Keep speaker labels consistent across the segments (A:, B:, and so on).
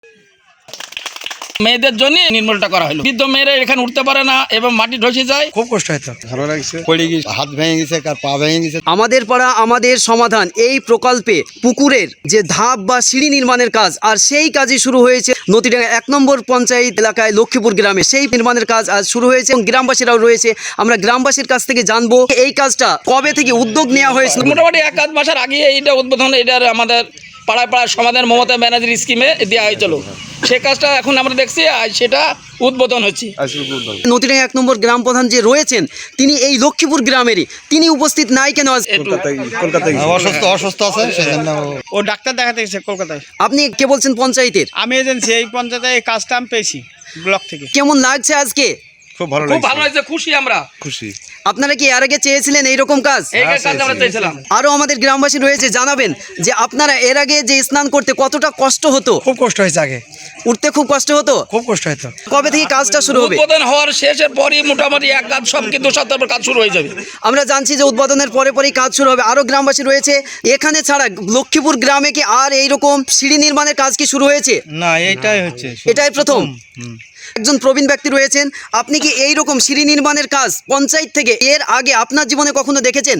A: মেয়েদের জন্য নির্মূলটা করা হলো। বৃদ্ধ মেয়েরা এখানে উঠতে পারে না এবং মাটি ধসে যায়,
B: খুব কষ্ট হতো।
C: ভালো লাগছে, পড়ে গিয়ে হাত ভেঙে গেছে, কার পা ভেঙে গেছে।
D: আমাদের পাড়া আমাদের সমাধান এই প্রকল্পে পুকুরের যে ধাপ বা সিঁড়ি নির্মাণের কাজ, আর সেই কাজই শুরু হয়েছে নদীডাঙ্গা 1 নম্বর পঞ্চায়েত এলাকায় লক্ষ্মীপুর গ্রামে। সেই নির্মাণের কাজ আজ শুরু হয়েছে এবং গ্রামবাসীরাও রয়েছে। আমরা গ্রামবাসীর কাছ থেকে জানবো এই কাজটা কবে থেকে উদ্যোগ নেওয়া হয়েছিল।
A: মোটামুটি 1-1.5 মাসের আগে এইটা উদ্বোধন, এটার আমাদের পাড়ায় সমাধান মমতা ব্যানার্জির স্কিমে দেওয়া হয়েছিল। সে কাজটা এখন আমরা দেখছি আজ সেটা উদ্বোধন হচ্ছে।
D: নদীডাঙ্গা 1 নম্বর গ্রাম প্রধান যে রয়েছেন তিনি এই লক্ষ্মীপুর গ্রামেরই, তিনি উপস্থিত নাই কেন আজ?
C: কলকাতায় অসুস্থ আছে, সেজন্য
B: ও ডাক্তার দেখাতে গেছে কলকাতায়।
D: আপনি কে বলছেন? পঞ্চায়েতের।
B: আমি এজেন্সি, এই পঞ্চায়েতে এই কাজটা আমি পেয়েছি ব্লক থেকে।
D: কেমন লাগছে আজকে?
C: খুব ভালো
A: খুব ভালো হয়েছে, খুশি আমরা।
C: খুশি।
D: আপনারা কি এর আগে চেয়েছিলেন এইরকম কাজ?
A: এই কাজ আমরা চেয়েছিলাম।
D: আরো আমাদের গ্রামবাসী রয়েছে, জানাবেন যে আপনারা এর আগে যে স্নান করতে কতটা কষ্ট হতো?
B: খুব কষ্ট হয়েছে, আগে
D: উঠতে খুব কষ্ট হতো।
B: খুব কষ্ট হতো।
D: কবে থেকে কাজটা শুরু হবে?
A: উদ্বোধন হওয়ার শেষের পরই মোটামুটি এক কাজ সব কিন্তু সপ্তাহ কাজ শুরু হয়ে যাবে।
D: আমরা জানছি যে উদ্বোধনের পরেই কাজ শুরু হবে। আরো গ্রামবাসী রয়েছে এখানে ছাড়া লক্ষ্মীপুর গ্রামে কি আর এইরকম সিঁড়ি নির্মাণের কাজ কি শুরু হয়েছে?
B: না, এইটাই হচ্ছে,
D: এটাই প্রথম। একজন প্রবীণ ব্যক্তি রয়েছেন, আপনি কি এই রকম সিঁড়ি নির্মাণের কাজ পঞ্চায়েত থেকে এর আগে আপনার জীবনে কখনো দেখেছেন?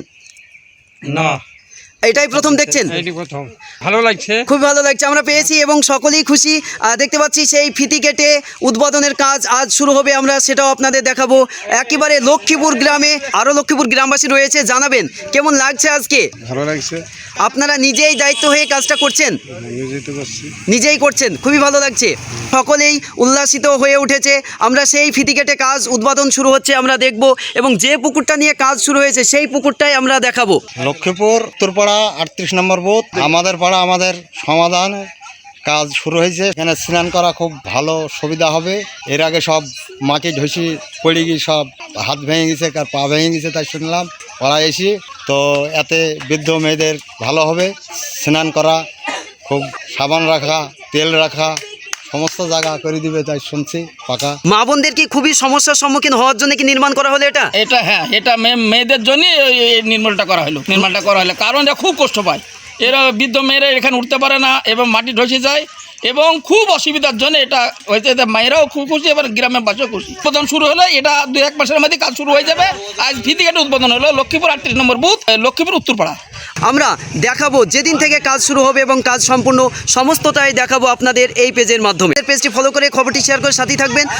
B: না,
D: এটাই প্রথম দেখছেন?
B: এইটি প্রথম। ভালো লাগছে,
D: খুব ভালো লাগছে, আমরা পেয়েছি এবং সকলেই খুশি। দেখতে পাচ্ছি সেই ফিতি কেটে উদ্বোধনের কাজ আজ শুরু হবে, আমরা সেটাও আপনাদের দেখাবো। একেবারে লক্ষ্মীপুর গ্রামে আরও লক্ষ্মীপুর গ্রামবাসী রয়েছে, জানাবেন কেমন লাগছে আজকে?
C: ভালো লাগছে।
D: আপনারা নিজেই দায়িত্ব হয়ে কাজটা করছেন?
C: নিজেই তো করছি।
D: নিজেই করছেন, খুবই ভালো লাগছে। সকলেই উল্লাসিত হয়ে উঠেছে। আমরা সেই ফিতি কেটে কাজ উদ্বোধন শুরু হচ্ছে আমরা দেখব, এবং যে পুকুরটা নিয়ে কাজ শুরু হয়েছে সেই পুকুরটাই আমরা দেখাবো।
C: লক্ষ্মীপুর উত্তরপাড়া 38 নম্বর বুথ, আমাদের পাড়া আমাদের সমাধান কাজ শুরু হয়েছে। এখানে স্নান করা খুব ভালো সুবিধা হবে। এর আগে সব মাটি ধসি পড়ে গিয়ে সব হাত ভেঙে গেছে, কার পা ভেঙে গেছে, তাই শুনলাম। পাড়ায় এসি তো এতে বৃদ্ধ মেয়েদের ভালো হবে। স্নান করা, খুব সাবান রাখা, তেল রাখা, সমস্ত জায়গা করে দিবে, তাই শুনছি পাকা।
D: মা বোনদের কি খুবই সমস্যার সম্মুখীন হওয়ার জন্য কি নির্মাণ করা হলো এটা?
A: এটা হ্যাঁ, এটা মেয়েদের জন্য এই নির্মূলটা করা হলো। কারণ এরা খুব কষ্ট পায়। এরা বৃদ্ধ মেয়েরা এখানে উঠতে পারে না এবং মাটি ধসে যায় এবং খুব অসুবিধার জন্য এটা হয়েছে। মায়েরাও খুব খুশি, এবার গ্রামের বাসীও খুশি। উদ্বোধন শুরু হলো, এটা 2-1 মাসের মধ্যে কাজ শুরু হয়ে যাবে। আজ ফিতি কেটে উদ্বোধন হলো লক্ষ্মীপুর 38 নম্বর বুথ, লক্ষ্মীপুর উত্তরপাড়া।
D: আমরা দেখাবো যেদিন থেকে কাজ শুরু হবে এবং কাজ সম্পূর্ণ সমস্তটাই দেখাবো আপনাদের এই পেজের মাধ্যমে। পেজটি ফলো করে খবরটি শেয়ার করে সাথেই থাকবেন।